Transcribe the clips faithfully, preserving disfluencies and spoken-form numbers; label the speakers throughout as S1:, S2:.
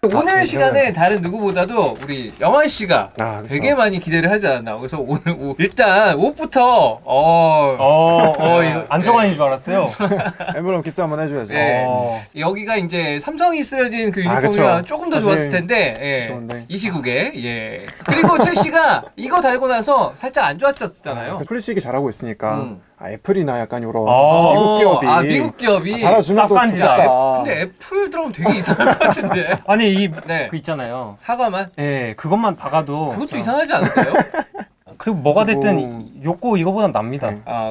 S1: 오늘
S2: 아,
S1: 시간에 다른 누구보다도 우리 영환 씨가
S2: 아, 그쵸.
S1: 되게 많이 기대를 하지 않았나. 그래서 오늘 옷, 일단 옷부터 어,
S3: 어, 어, 이거 안정환인 줄 알았어요.
S2: 엠블럼 키스 한번 해줘야죠.
S1: 예.
S3: 어.
S1: 여기가 이제 삼성이 쓰여진 그
S2: 아,
S1: 유니폼이랑
S2: 그쵸.
S1: 조금 더
S2: 사실
S1: 좋았을 텐데, 예.
S2: 좋은데.
S1: 이 시국에, 예. 그리고 첼시가 이거 달고 나서 살짝 안 좋았었잖아요.
S2: 그 플리식이 잘하고 있으니까
S1: 음.
S2: 아, 애플이나 약간 이런
S3: 어.
S2: 미국 기업이
S1: 아, 미국 기업이.
S2: 아, 달아주면 또
S3: 쌉간지다.
S2: 좋겠다.
S1: 근데 애플 들어가면 되게 이상할 것 같은데.
S3: 아니, 이,
S1: 네.
S3: 그 있잖아요.
S1: 사과만?
S3: 예, 그것만 박아도.
S1: 그것도
S3: 저-
S1: 이상하지 않을까요?
S3: 그리고 뭐가
S2: 그래서
S3: 됐든
S2: 뭐-
S3: 욕고 이거보단 납니다.
S2: 네.
S1: 아.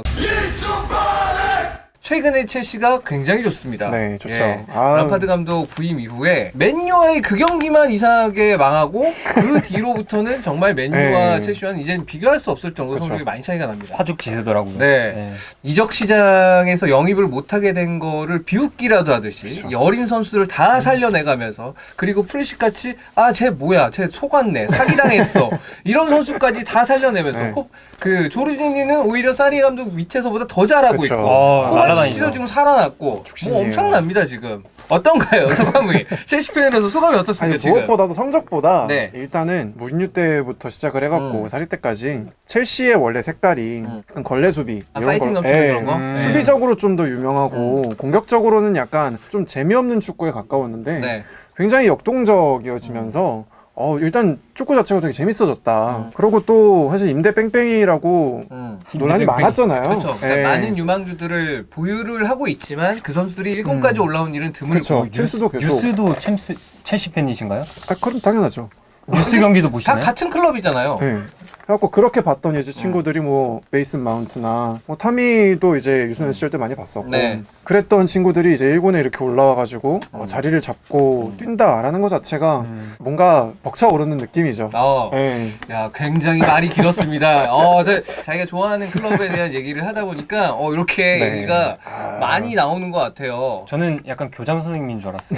S1: 최근에 첼시가 굉장히 좋습니다.
S2: 네, 좋죠.
S1: 예.
S2: 아.
S1: 람파드 감독 부임 이후에 맨유와의 그 경기만 이상하게 망하고 그 뒤로부터는 정말 맨유와
S2: 네.
S1: 첼시와는 이제는 비교할 수 없을 정도로
S2: 그쵸.
S1: 성적이 많이 차이가 납니다.
S3: 화죽 기세더라고요.
S1: 네. 이적 시장에서 영입을 못하게 된 거를 비웃기라도 하듯이
S2: 그쵸.
S1: 이 어린 선수들을 다 살려내가면서 그리고 프리식 같이 아 쟤 뭐야 쟤 속았네 사기당했어 이런 선수까지 다 살려내면서
S2: 네.
S1: 코- 그 조르지니는 오히려 사리 감독 밑에서보다 더 잘하고
S2: 그쵸.
S1: 있고
S3: 어,
S1: 코바치치도
S3: 날아다니죠.
S1: 지금 살아났고
S2: 죽신이에요.
S1: 뭐 엄청납니다 지금. 어떤가요 소감이? 첼시 팬으로서 소감이 어떻습니까
S2: 아니
S1: 지금?
S2: 무엇보다도 성적보다
S1: 네.
S2: 일단은 무리뉴 때부터 시작을 해갖고
S1: 음.
S2: 사리 때까지 첼시의 원래 색깔이
S1: 음.
S2: 약간 걸레 수비
S1: 아,
S2: 이런
S1: 파이팅
S2: 거-
S1: 넘치는
S2: 예.
S1: 그런 거?
S3: 음.
S1: 네.
S2: 수비적으로 좀 더 유명하고 공격적으로는 약간 좀 재미없는 축구에 가까웠는데
S1: 네.
S2: 굉장히 역동적이어지면서 어, 일단 축구 자체가 되게 재밌어졌다.
S1: 음.
S2: 그리고 또 사실 임대 뺑뺑이라고
S1: 음.
S2: 논란이
S3: 임대 뺑뺑이.
S2: 많았잖아요.
S1: 그렇죠. 그러니까
S2: 예.
S1: 많은 유망주들을 보유를 하고 있지만 그 선수들이 일 군까지
S3: 음.
S1: 올라온 일은 드물고
S2: 그렇죠. 첼시도 계속.
S3: 뉴스도 챔스, 첼시 팬이신가요?
S2: 아, 그럼 당연하죠.
S3: 뉴스 경기도
S1: 다
S3: 보시나요?
S1: 같은 클럽이잖아요.
S2: 네. 그래갖고 그렇게 봤더니 이제 친구들이 뭐 메이슨 마운트나 뭐 타미도 이제 유소년 시절 때 많이 봤었고
S1: 네.
S2: 그랬던 친구들이 이제 일 군에 이렇게 올라와가지고 어,
S1: 음.
S2: 자리를 잡고 뛴다라는 것 자체가
S3: 음.
S2: 뭔가 벅차오르는 느낌이죠.
S1: 어,
S2: 네.
S1: 야 굉장히 말이 길었습니다. 어, 네, 자기가 좋아하는 클럽에 대한 얘기를 하다 보니까 어 이렇게
S2: 네.
S1: 얘기가
S2: 아.
S1: 많이 나오는 것 같아요.
S3: 저는 약간 교장 선생님인 줄 알았어요.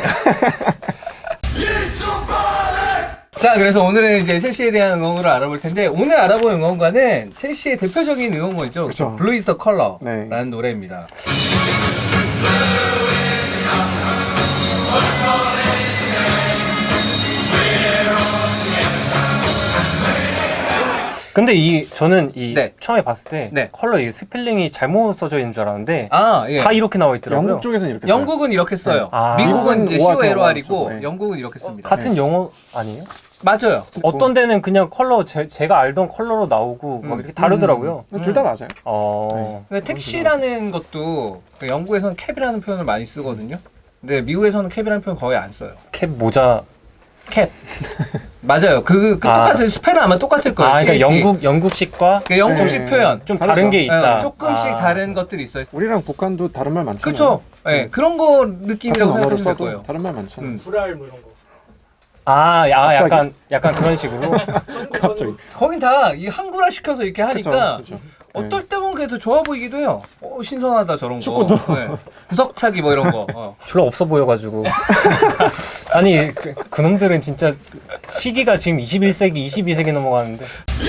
S1: 자, 그래서 오늘은 이제 첼시에 대한 응원을 알아볼 텐데 오늘 알아볼 응원가는 첼시의 대표적인 응원가죠.
S2: 그쵸.
S1: 블루 이즈 더 컬러라는
S2: 네.
S1: 노래입니다.
S3: 근데 이 저는 이
S1: 네.
S3: 처음에 봤을 때
S1: 네.
S3: 컬러 이 스펠링이 잘못 써져 있는 줄 알았는데
S1: 아, 예.
S3: 다 이렇게 나와 있더라고요.
S2: 영국 쪽에서는 이렇게 써요.
S1: 영국은 이렇게 써요.
S3: 아.
S1: 미국은 이제
S2: 미국은
S1: 씨오엘오알이고
S2: 오알 쓰고, 네.
S1: 영국은 이렇게 씁니다.
S3: 같은 영어 아니에요?
S1: 맞아요.
S3: 어떤 데는 그냥 컬러 제, 제가 알던 컬러로 나오고
S1: 음.
S3: 막 이렇게 다르더라고요.
S2: 둘 다 맞아요.
S3: 어.
S1: 그러니까 택시라는 것도 그 영국에서는 캡이라는 표현을 많이 쓰거든요. 근데 미국에서는 캡이라는 표현 거의 안 써요.
S3: 캡 모자.
S1: 캡. 맞아요. 그, 그
S3: 아.
S1: 똑같은 스펠은 아마 똑같을 거예요.
S3: 아, 그러니까
S1: 씨에이피.
S3: 영국 영국식과
S1: 그 영국식
S2: 네.
S1: 표현.
S3: 좀
S2: 다르죠.
S3: 다른 게 있다.
S1: 예, 조금씩
S3: 아.
S1: 다른 것들이 있어요.
S2: 우리랑 북한도 다른 말 많잖아요.
S1: 그렇죠. 예, 그런 거
S2: 같은
S1: 느낌이라고
S2: 언어를
S1: 생각하시면 될
S2: 써도
S1: 거예요.
S2: 다른 말 많잖아요.
S1: 음.
S3: 아, 아
S2: 갑자기?
S3: 약간 약간 그런 식으로.
S2: 갑자기.
S1: 거긴 다 이 한글화 시켜서 이렇게 하니까
S2: 그쵸, 그쵸.
S1: 어떨 때 보면 그게 더 좋아 보이기도 해요. 어, 신선하다 저런 거.
S2: 축구도.
S1: 네. 구석차기 뭐 이런 거. 어.
S3: 별로 없어 보여가지고. 아니 그, 그놈들은 진짜 시기가 지금 이십일 세기, 이십이 세기 넘어가는데.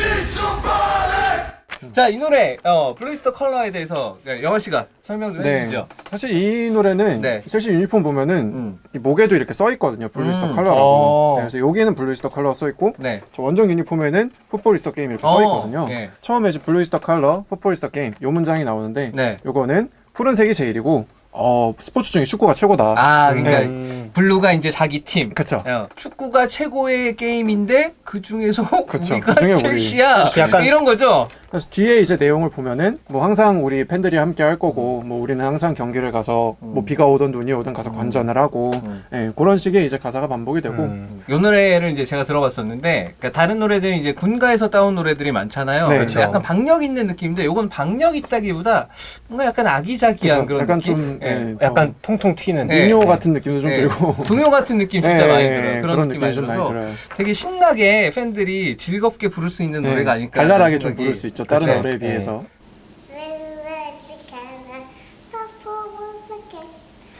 S1: 자, 이 노래 어, 블루이스터 컬러에 대해서 네, 영원 씨가 설명 좀
S2: 네.
S1: 해주시죠.
S2: 사실 이 노래는
S1: 네.
S2: 첼시 유니폼 보면은
S1: 음.
S2: 이 목에도 이렇게 써 있거든요. 블루이스터
S1: 음.
S2: 컬러라고.
S3: 어.
S2: 네, 그래서 여기는 블루이스터 컬러 써 있고
S1: 네.
S2: 저 원정 유니폼에는 풋볼이스터 게임 이렇게
S1: 어,
S2: 써 있거든요.
S1: 예.
S2: 처음에 이제 블루이스터 컬러, 풋볼이스터 게임 요 문장이 나오는데
S1: 네.
S2: 요거는 푸른색이 제일이고 어, 스포츠 중에 축구가 최고다.
S1: 아, 그러니까
S3: 음.
S1: 블루가 이제 자기 팀.
S2: 그쵸.
S1: 어, 축구가 최고의 게임인데 그 중에서
S2: 그쵸.
S1: 우리가
S2: 그중에 우리.
S1: 첼시야.
S3: 약간-
S1: 이런 거죠.
S2: 그래서 뒤에 이제 내용을 보면은 뭐 항상 우리 팬들이 함께 할 거고 뭐 우리는 항상 경기를 가서 뭐 비가 오든 눈이 오든 가서 관전을 하고
S1: 음.
S2: 예, 그런 식의 이제 가사가 반복이 되고
S3: 음.
S1: 이 노래를 이제 제가 들어봤었는데, 그러니까 다른 노래들은 이제 군가에서 따온 노래들이 많잖아요.
S2: 네,
S1: 그래서
S3: 그쵸.
S1: 약간 박력 있는 느낌인데, 요건 박력 있다기보다 뭔가 약간 아기자기한
S2: 그쵸.
S1: 그런
S2: 약간
S1: 느낌.
S2: 좀
S1: 예.
S2: 예,
S3: 약간 통통 튀는.
S1: 네.
S2: 민요 같은 느낌도 좀
S1: 예.
S2: 들고
S1: 동요 같은 느낌 진짜
S2: 예,
S1: 많이
S2: 예,
S1: 들어요.
S2: 예,
S1: 그런, 느낌 많이
S2: 좀
S1: 들어서
S2: 많이 들어요.
S1: 되게 신나게 팬들이 즐겁게 부를 수 있는
S2: 예,
S1: 노래가 아닐까.
S2: 발랄하게 좀
S1: 생각이-
S2: 부를 수 있죠. 다른
S1: 그쵸.
S2: 노래에
S3: 예.
S2: 비해서.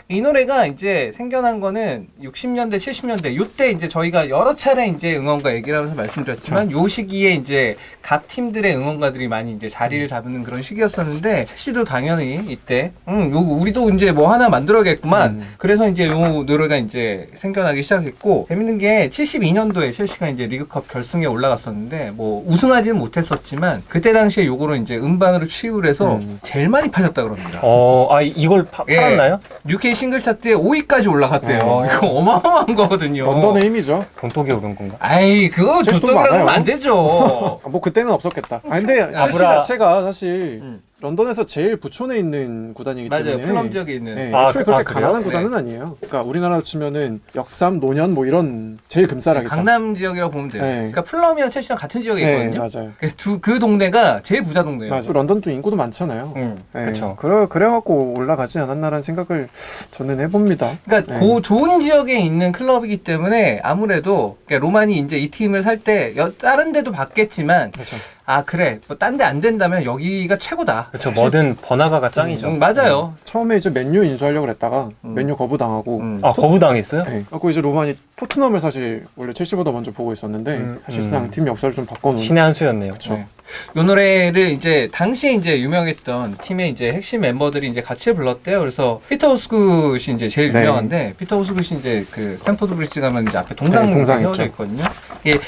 S1: 이 노래가 이제 생겨난 거는 육십 년대, 칠십 년대 요때 이제 저희가 여러 차례 이제 응원가 얘기를 하면서 말씀드렸지만 요 시기에 이제 각 팀들의 응원가들이 많이 이제 자리를 잡는 그런 시기였었는데 첼시도 당연히 이때 음, 요 우리도 이제 뭐 하나 만들어야겠구만.
S2: 음.
S1: 그래서 이제 요 노래가 이제 생겨나기 시작했고 재밌는 게 칠십이 년도에 첼시가 이제 리그컵 결승에 올라갔었는데 뭐 우승하지는 못했었지만 그때 당시에 요거를 이제 음반으로 취입을 해서
S2: 음.
S1: 제일 많이 팔렸다 그럽니다.
S3: 어, 아 이걸 파,
S1: 예.
S3: 팔았나요?
S1: 유케이 싱글 차트에 오 위까지 올라갔대요.
S3: 어.
S1: 이거 어마어마한 거거든요.
S2: 런던의 힘이죠.
S3: 돈독에 오른 건가?
S1: 아이 그거
S2: 첼시 돈
S1: 조떡이라고 하면
S2: 많아요.
S1: 안 되죠.
S2: 아, 뭐 그때는 없었겠다. 아 근데 첼시
S3: 아브라-
S2: 자체가 사실
S1: 음.
S2: 런던에서 제일 부촌에 있는 구단이기
S1: 맞아요.
S2: 때문에
S1: 플럼 지역에 있는.
S2: 네,
S3: 아,
S2: 애초에
S3: 그-
S2: 그렇게
S3: 아, 그래요?
S2: 가난한 구단은 아니에요. 그러니까 우리나라로 치면은 역삼, 노년 뭐 이런 제일 금싸라기
S1: 강남 지역이라고 보면 돼요.
S2: 네.
S1: 그러니까 플럼이랑 첼시랑 같은 지역에
S2: 네,
S1: 있거든요.
S2: 맞아요.
S1: 그, 두, 그 동네가 제일 부자 동네예요.
S2: 맞아. 런던도 인구도 많잖아요.
S1: 음.
S2: 네,
S3: 그쵸.
S2: 그래 그래갖고 올라가지 않았나라는 생각을 저는 해봅니다.
S1: 그러니까
S2: 네.
S1: 그 좋은 지역에 있는 클럽이기 때문에 아무래도 그러니까 로만이 이제 이 팀을 살 때 다른 데도 봤겠지만
S2: 그렇죠.
S1: 아 그래 뭐 딴 데 안 된다면 여기가 최고다.
S3: 그렇죠. 뭐든 번화가가 짱이죠.
S1: 음, 맞아요.
S2: 처음에 이제 맨유 인수하려고 했다가
S1: 음.
S2: 맨유 거부당하고
S1: 음.
S3: 아 거부당했어요?
S2: 네. 그리고 이제 로만이 토트넘을 사실 원래 첼시보다 먼저 보고 있었는데
S3: 음,
S2: 사실상
S3: 음.
S2: 팀 역사를 좀 바꿔놓은
S3: 신의 한 수였네요.
S2: 그쵸.
S1: 네. 이 노래를 이제 당시에 이제 유명했던 팀의 이제 핵심 멤버들이 이제 같이 불렀대요. 그래서 피터 호스굿이 이제 제일
S2: 네.
S1: 유명한데 피터 호스굿이 이제 그 스탠포드 브리지 가면 이제 앞에 동상
S2: 네, 동상
S1: 세워져
S2: 있죠.
S1: 있거든요. 이게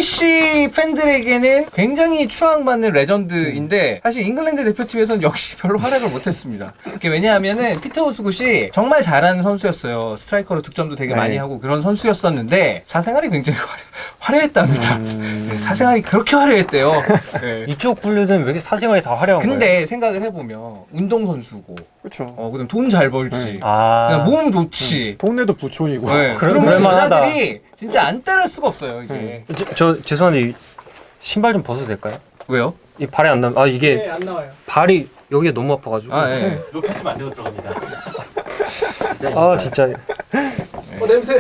S1: 첼시 팬들에게는 굉장히 추앙받는 레전드인데 사실 잉글랜드 대표팀에서는 역시 별로 활약을 못했습니다. 이게 왜냐하면은 피터 호스굿이 정말 잘하는 선수였어요. 스트라이커로 득점도 되게
S2: 네.
S1: 많이 하고 그런 선수였었는데 사생활이 굉장히 화려, 화려했답니다.
S2: 음.
S1: 네, 사생활이 그렇게 화려했대요. 네.
S3: 이쪽 분류는 왜 이렇게 사생활이 다 화려한 거예요?
S1: 근데 생각을 해보면 운동선수고
S2: 그렇죠.
S1: 어 그다음 돈 잘 벌지
S2: 네.
S3: 아,
S1: 그다음 몸 좋지
S2: 동네도 부촌이고
S1: 네.
S3: 그럴-
S1: 그러면
S3: 그럴만하다.
S1: 여자들이 진짜 안 따를 수가 없어요 이게
S2: 네.
S3: 저, 저 죄송한데 이 신발 좀 벗어도 될까요?
S1: 왜요?
S3: 이 발이 안 나. 아 이게
S4: 네, 안 나와요.
S3: 발이 여기가 너무 아파가지고.
S1: 아 예.
S4: 이거 편집 안 되고 들어갑니다.
S3: 아 진짜
S4: 어 냄새.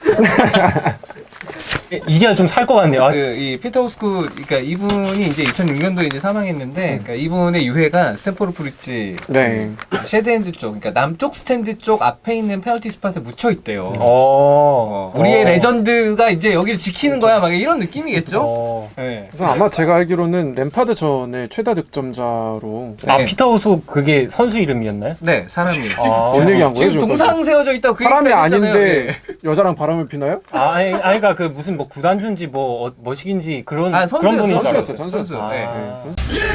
S3: 이제야 좀 살 것 같네요. 아,
S1: 그이 피터 호스쿠 그러니까 이분이 이제 이천육 년도에 이제 사망했는데 그러니까 이분의 유해가 스탠포드 브리지
S2: 네.
S1: 쉐드핸드 쪽 그러니까 남쪽 스탠드 쪽 앞에 있는 페널티 스팟에 묻혀 있대요.
S3: 어,
S1: 어, 우리의
S3: 어.
S1: 레전드가 이제 여기를 지키는 거야 막 이런 느낌이겠죠?
S3: 어.
S1: 네.
S2: 그래서 아마 제가 알기로는 램파드 전에 최다 득점자로
S3: 아
S1: 네.
S3: 피터 호수 그게 선수 이름이었나요?
S1: 네 사람이
S3: 아.
S2: 뭔 얘기한 거예요?
S1: 지금
S2: 지금?
S1: 동상 세워져 있다고 그
S2: 사람이
S1: 얘기까지 했잖아요.
S2: 아닌데
S1: 네.
S2: 여자랑 바람을 피나요?
S3: 아, 아니, 아니, 그니까 그 무슨 뭐 구단주인지 뭐, 어, 뭐식인지 그런,
S1: 아,
S3: 그런 분인 줄
S2: 선수였어요,
S3: 알았어요.
S2: 선수였어요.
S1: 네.
S3: 아.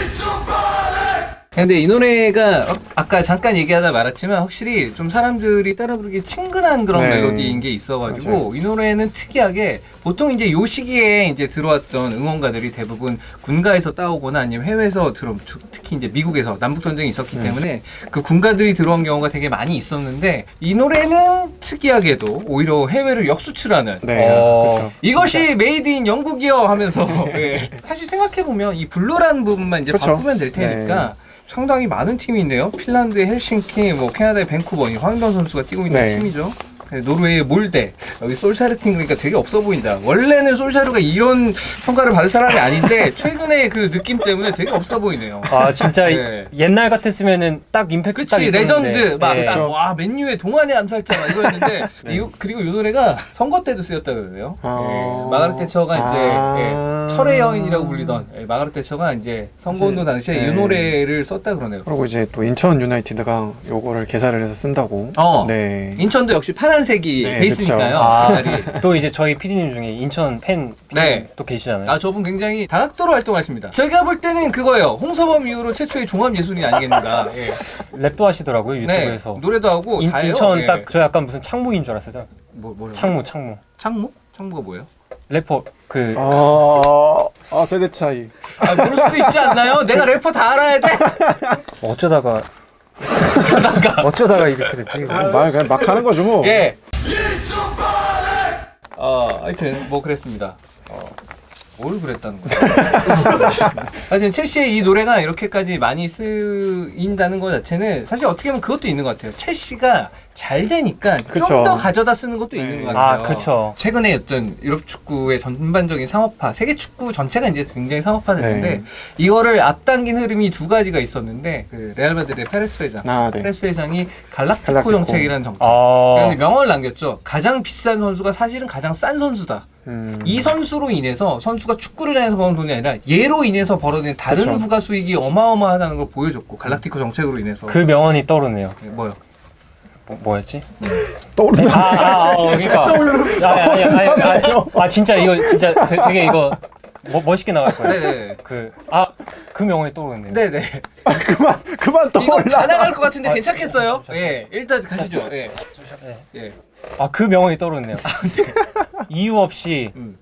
S1: 근데 이 노래가 어, 아까 잠깐 얘기하다 말았지만 확실히 좀 사람들이 따라 부르기 친근한 그런
S2: 네.
S1: 멜로디인 게 있어가지고
S2: 맞아요.
S1: 이 노래는 특이하게 보통 이제 요 시기에 이제 들어왔던 응원가들이 대부분 군가에서 따오거나 아니면 해외에서 들어 특히 이제 미국에서 남북 전쟁이 있었기
S2: 네.
S1: 때문에 그 군가들이 들어온 경우가 되게 많이 있었는데 이 노래는 특이하게도 오히려 해외를 역수출하는
S2: 네.
S3: 어.
S2: 그렇죠.
S1: 이것이 메이드 인 영국이요 하면서 예. 사실 생각해보면 이 블루라는 부분만 이제
S2: 그쵸.
S1: 바꾸면 될 테니까 상당히 많은 팀이 있네요. 핀란드의 헬싱키, 뭐 캐나다의 밴쿠버, 이 황희경 선수가 뛰고 있는
S2: 네.
S1: 팀이죠. 네, 노르웨이의 몰데, 여기 솔샤르 팀 그러니까 되게 없어 보인다. 원래는 솔샤르가 이런 평가를 받을 사람이 아닌데 최근에 그 느낌 때문에 되게 없어 보이네요.
S3: 아, 진짜
S1: 네.
S3: 옛날 같았으면은 딱 임팩트 딱
S1: 그치
S3: 있었는데.
S1: 레전드 막
S3: 예.
S1: 딱, 와 맨유의 동안의 암살자 막 이거였는데
S2: 네.
S1: 이, 그리고 이 노래가 선거 때도 쓰였다 그러네요.
S2: 아.
S1: 예, 마가렛 태처가 이제
S2: 아.
S1: 예, 철의 여인이라고 불리던 예, 마가렛 태처가 이제 선거운동 당시에
S2: 네.
S1: 이 노래를 썼다 그러네요.
S2: 그리고 이제 또 인천 유나이티드가 요거를 개사를 해서 쓴다고.
S1: 어.
S2: 네.
S1: 인천도 역시 파란색이
S2: 네,
S1: 베이스니까요.
S3: 아,
S1: 색깔이.
S3: 또 이제 저희 피디님 중에 인천 팬
S1: 네.
S3: 또 계시잖아요.
S1: 아 저분 굉장히 다각도로 활동하십니다. 제가 볼 때는 그거예요. 홍서범 이후로 최초의 종합 예술인 아니겠는가. 예.
S3: 랩도 하시더라고요
S1: 네,
S3: 유튜브에서.
S1: 노래도 하고
S3: 인,
S1: 다 해요.
S3: 인천
S1: 예.
S3: 딱 저 약간 무슨 창무인 줄 알았어요.
S1: 뭐 뭐라고?
S3: 창무 창무.
S1: 창무? 창무가 뭐예요?
S3: 래퍼 그
S2: 아, 아 세대 차이.
S1: 아 모를 수도 있지 않나요? 내가 래퍼 다 알아야 돼.
S3: 어쩌다가 어쩌다가 어쩌다가 이렇게 됐지.
S2: 말 그냥 막 하는 거죠 뭐.
S1: 예. 어, 하여튼 뭐 그랬습니다. 어. 뭘 그랬다는 거야? 하여튼 첼시의 이 노래가 이렇게까지 많이 쓰인다는 것 자체는 사실 어떻게 보면 그것도 있는 것 같아요. 첼시가 잘 되니까 좀
S2: 그쵸.
S1: 더 가져다 쓰는 것도
S2: 네.
S1: 있는 것 같아요.
S3: 아, 그쵸.
S1: 최근에 어떤 유럽 축구의 전반적인 상업화, 세계 축구 전체가 이제 굉장히 상업화됐는데
S2: 네.
S1: 이거를 앞당긴 흐름이 두 가지가 있었는데 그 레알 마드리드의 페레스 회장,
S2: 아, 네.
S1: 페레스 회장이 갈락티코,
S2: 갈락티코.
S1: 정책이라는 정책.
S3: 아,
S1: 그래서 명언을 남겼죠. 가장 비싼 선수가 사실은 가장 싼 선수다.
S2: 음.
S1: 이 선수로 인해서 선수가 축구를 해서 버는 돈이 아니라 얘로 인해서 벌어들인 다른
S2: 그쵸.
S1: 부가 수익이 어마어마하다는 걸 보여줬고 갈락티코 정책으로 인해서
S3: 그 명언이 떠오르네요.
S1: 네, 뭐요?
S3: 뭐, 뭐였지?
S2: 떠오르는
S3: 아, 아, 아, 어, 그러니까. 아니, 아니, 아니, 아니, 아니, 아, 진짜 이거, 진짜 되, 되게 이거 뭐, 멋있게 나갈 거예요.
S1: 네네.
S3: 그, 아, 그 명언이 떠오르네요.
S1: 네네.
S2: 그만 그만
S1: 이거
S2: 떠올라.
S1: 다 나갈 것 같은데
S3: 아,
S1: 괜찮겠어요? 예, 일단 가시죠. 예.
S3: 네.
S1: 예.
S3: 아, 그 명언이 떠오르네요. 이유 없이
S1: 음.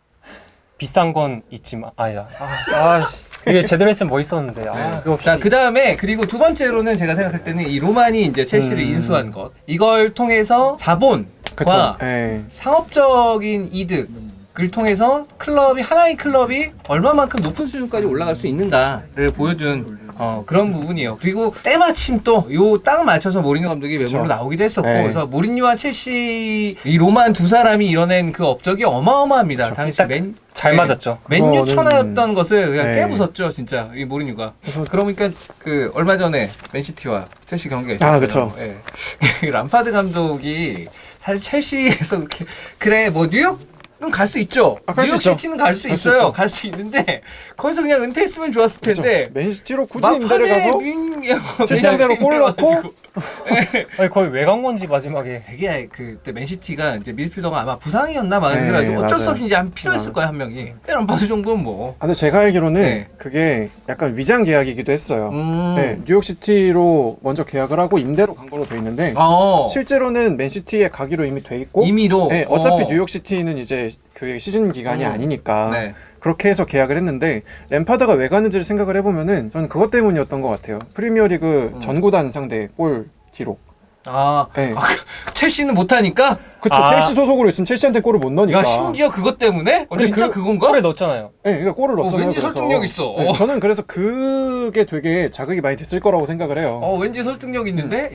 S3: 비싼 건 있지만, 아니다. 아, 아, 씨. 이게 제대로 했으면 멋있었는데. 아, 그거 없이.
S1: 자, 그 다음에, 그리고 두 번째로는 제가 생각할 때는 이 로만이 이제 첼시를
S2: 음.
S1: 인수한 것. 이걸 통해서 자본과
S2: 그쵸. 예.
S1: 상업적인 이득을 통해서 클럽이, 하나의 클럽이 얼마만큼 높은 수준까지 올라갈 수 있는가를 보여준 어, 그런 부분이에요. 그리고 때마침 또 요 딱 맞춰서 모리뉴 감독이 외모로
S2: 그쵸.
S1: 나오기도 했었고,
S2: 네.
S1: 그래서 모리뉴와 첼시, 이 로만 두 사람이 이뤄낸 그 업적이 어마어마합니다.
S3: 그쵸.
S1: 당시
S3: 딱
S1: 맨,
S3: 잘
S1: 네.
S3: 맞았죠.
S1: 맨유
S2: 그거는-
S1: 천하였던 것을 그냥
S2: 네.
S1: 깨부쉈죠, 진짜 이 모리뉴가.
S2: 그래서-
S1: 그러니까 그 얼마 전에 맨시티와 첼시 경기가 있었어요.
S2: 아, 그쵸.
S1: 예. 람파드 감독이 사실 첼시에서 그렇게 그래 뭐 뉴욕 갈 수 있죠.
S2: 아, 갈수
S1: 뉴욕
S2: 있죠.
S1: 시티는 갈 수
S2: 갈수
S1: 있어요.
S2: 있죠.
S1: 갈 수 있는데 거기서 그냥 은퇴했으면 좋았을 텐데.
S2: 맨시티로 굳이 임대를 가서
S1: 민...
S2: 칠상대로 골 넣고
S3: 아니, 거의 왜 간 건지 마지막에.
S1: 되게 그때 맨시티가 이제 미드필더가 아마 부상이었나 막
S2: 네,
S1: 그래가지고 어쩔 수
S2: 맞아요.
S1: 없이 이제 한 필요했을
S2: 아.
S1: 거야 한 명이. 람파드 정도는 뭐.
S2: 아, 근데 제가 알기로는
S1: 네.
S2: 그게 약간 위장 계약이기도 했어요.
S1: 음.
S2: 네, 뉴욕시티로 먼저 계약을 하고 임대로 간 걸로 돼 있는데
S1: 어.
S2: 실제로는 맨시티에 가기로 이미 돼 있고
S1: 임의로.
S2: 네, 어차피
S1: 어.
S2: 뉴욕시티는 이제 그 시즌 기간이
S1: 음.
S2: 아니니까
S1: 네.
S2: 그렇게 해서 계약을 했는데 램파드가 왜 가는지를 생각을 해보면은 저는 그것 때문이었던 것 같아요. 프리미어리그
S1: 음.
S2: 전구단 상대 골 기록.
S1: 아,
S2: 네.
S1: 아, 그, 첼시는 못하니까?
S2: 그쵸.
S3: 아.
S2: 첼시 소속으로 있으면 첼시한테 골을 못 넣으니까.
S1: 야, 심지어 그것 때문에? 어,
S2: 근데
S1: 진짜
S2: 그-
S1: 그, 건가?
S3: 골에 넣었잖아요.
S2: 네, 그러니까 골을
S1: 어,
S2: 넣었잖아요.
S1: 왠지
S2: 그래서.
S1: 설득력 있어.
S2: 네,
S1: 어.
S2: 저는 그래서 그게 되게 자극이 많이 됐을 거라고 생각을 해요.
S1: 어, 왠지 설득력 있는데?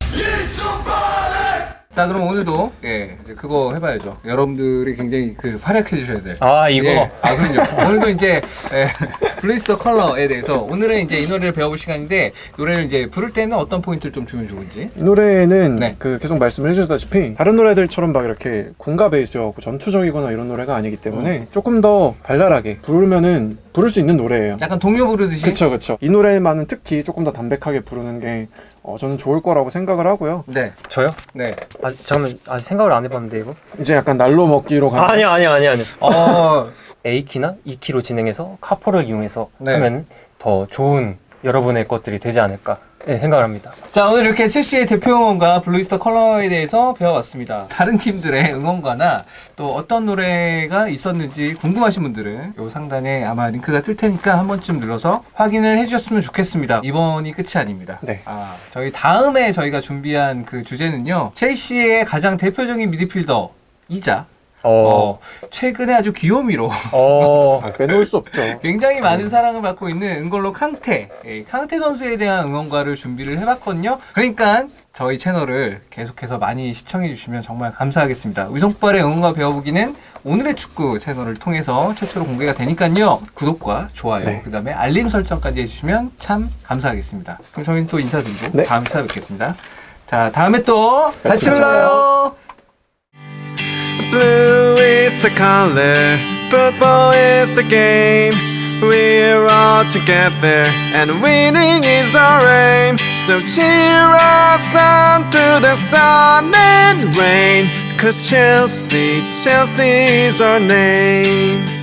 S1: 자, 그럼 오늘도, 예, 이제 그거 해봐야죠. 여러분들이 굉장히 그 활약해 주셔야 돼.
S3: 아, 이거.
S1: 예. 아, 그럼요. 오늘도 이제, 예, 블레이스 더 컬러에 대해서 오늘은 이제 이 노래를 배워볼 시간인데, 노래를 이제 부를 때는 어떤 포인트를 좀 주면 좋은지.
S2: 이 노래는
S1: 네.
S2: 그 계속 말씀을 해주셨다시피 다른 노래들처럼 막 이렇게 군가 베이스여갖고 전투적이거나 이런 노래가 아니기 때문에
S1: 음.
S2: 조금 더 발랄하게 부르면은 부를 수 있는 노래예요.
S1: 약간 동요 부르듯이.
S2: 그쵸 그쵸. 이 노래만은 특히 조금 더 담백하게 부르는 게 어, 저는 좋을 거라고 생각을 하고요.
S1: 네,
S3: 저요?
S1: 네.
S3: 아, 잠깐만. 아, 생각을 안 해봤는데, 이거?
S2: 이제 약간 날로 먹기로 가는.
S3: 아니요, 아니요, 아니요, 아니요.
S1: 어,
S3: A키나 E키로 진행해서 카포를 이용해서
S1: 네.
S3: 하면 더 좋은 여러분의 것들이 되지 않을까 네, 생각을 합니다.
S1: 자, 오늘 이렇게 첼시의 대표 응원가 블루이스터 컬러에 대해서 배워봤습니다. 다른 팀들의 응원가나 또 어떤 노래가 있었는지 궁금하신 분들은 요 상단에 아마 링크가 뜰 테니까 한 번쯤 눌러서 확인을 해주셨으면 좋겠습니다. 이번이 끝이 아닙니다.
S2: 네.
S1: 아, 저희 다음에 저희가 준비한 그 주제는요. 첼시의 가장 대표적인 미드필더 이자
S3: 어,
S1: 어, 최근에 아주 귀요미로
S3: 어,
S2: 아, 빼놓을 수 없죠.
S1: 굉장히 많은 사랑을 받고 있는 은걸로 캉테, 예, 캉테 선수에 대한 응원가를 준비를 해봤거든요. 그러니까 저희 채널을 계속해서 많이 시청해 주시면 정말 감사하겠습니다. 위성발의 응원가 배워보기는 오늘의 축구 채널을 통해서 최초로 공개가 되니까요. 구독과 좋아요,
S2: 네.
S1: 그 다음에 알림 설정까지 해주시면 참 감사하겠습니다. 그럼 저희는 또 인사드리고
S2: 네.
S1: 다음 시간에 뵙겠습니다. 자, 다음에 또 같이
S2: 같이
S1: 불러요.
S5: Blue is the color, football is the game. We're all together, and winning is our aim. So cheer us on through the sun and rain. 'Cause Chelsea, Chelsea is our name.